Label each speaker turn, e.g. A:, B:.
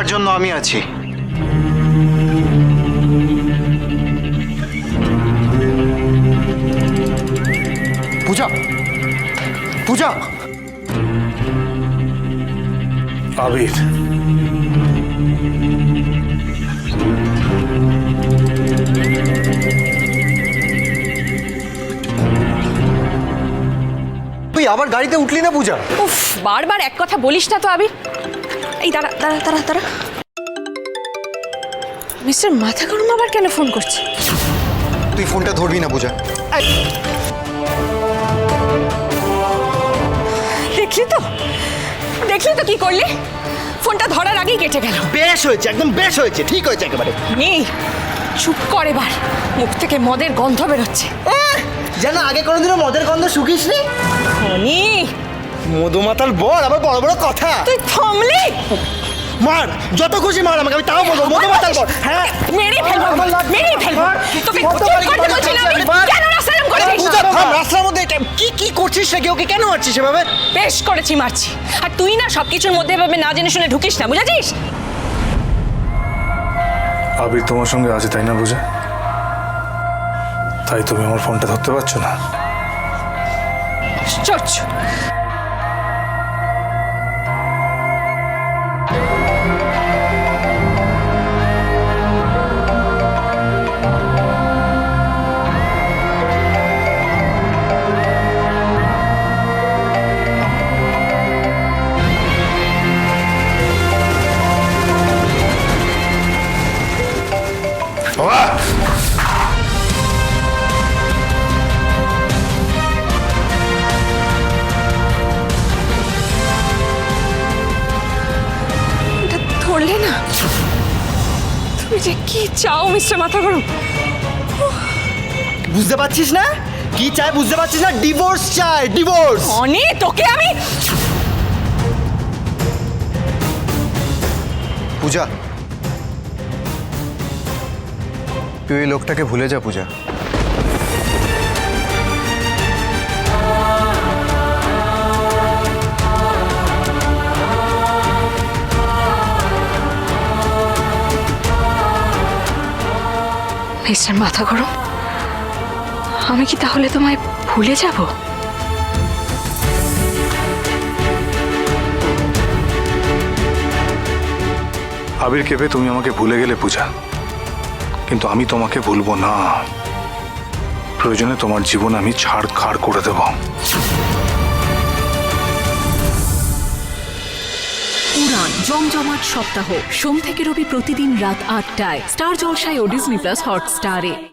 A: তার জন্য আমি আছি। পূজা, পূজা।
B: আবির,
A: তুই আবার গাড়িতে উঠলি না পূজা?
C: উফ, বারবার এক কথা বলিস না তো আবির। এই দাঁড়া দাঁড়া দাঁড়া দাঁড়া, মিস্টার মাথা গরম আবার কেন ফোন করছে?
A: তুই ফোনটা ধরবি না পূজা।
C: দেখলি তো, দেখলি তো কি করলি? ফোনটা ধরার আগেই কেটে গেল।
D: বেশ হয়েছে, একদম বেশ হয়েছে, ঠিক হয়েছে একেবারে।
C: নি চুপ কর, এবার মুখ থেকে মদের গন্ধ বেরোচ্ছে।
D: যেন আগে কোনোদিনও মদের গন্ধ শুকিসনি।
C: নি
D: মধুমাতাল বর, আবার বড় বড় কথা।
C: তুই থামলি?
D: মার, যত খুশি মার আমাকে, আমি তাও বলবো মধুমাতাল বর। হ্যাঁ,
C: মেরে ফেলবো, মেরে ফেলবো তোকে।
D: কত
C: চুপ
D: বাড়ি
C: করতে বলছি না আমি।
D: মার।
C: কেন রাস্তায় করেছিস?
D: পূজা থাম, রাস্তার মধ্যে এটা কি কি করছিস নাকি? ওকে কেন মারছিস এভাবে?
C: বেশ করেছি, মারছি। আর তুই না সবকিছুর মধ্যে এভাবে না জেনে শুনে ঢুকিস না, বুঝেছিস?
B: আবির তোমার সঙ্গে আছে তাই না পূজা? তাই তুমি আমার ফোনটা ধরতে পারছো না?
C: আশ্চর্য। এটা ধরলে না? তুমি যে কি চাও মিস্টার মাথা গরম?
D: বুঝতে পারছিস না কি চাই? বুঝতে পারছিস না? ডিভোর্স চাই, ডিভোর্স।
C: অনি তোকে আমি।
A: পূজা, তুই এই লোকটাকে ভুলে যা পূজা।
C: মিস্টার মাথা গরম, আমি কি তাহলে তোমায় ভুলে যাব?
B: আবির কেঁপে তুমি আমাকে ভুলে গেলে পূজা, কিন্তু আমি তোমাকে ভুলবো না। প্রয়োজনে তোমার জীবন আমি ছাড়খাড় করে দেব।
E: উড়ান জমজমাট সপ্তাহ সোম থেকে রবি প্রতিদিন রাত ৮টায় স্টার জলসায় ও ডিজনি প্লাস হটস্টারে।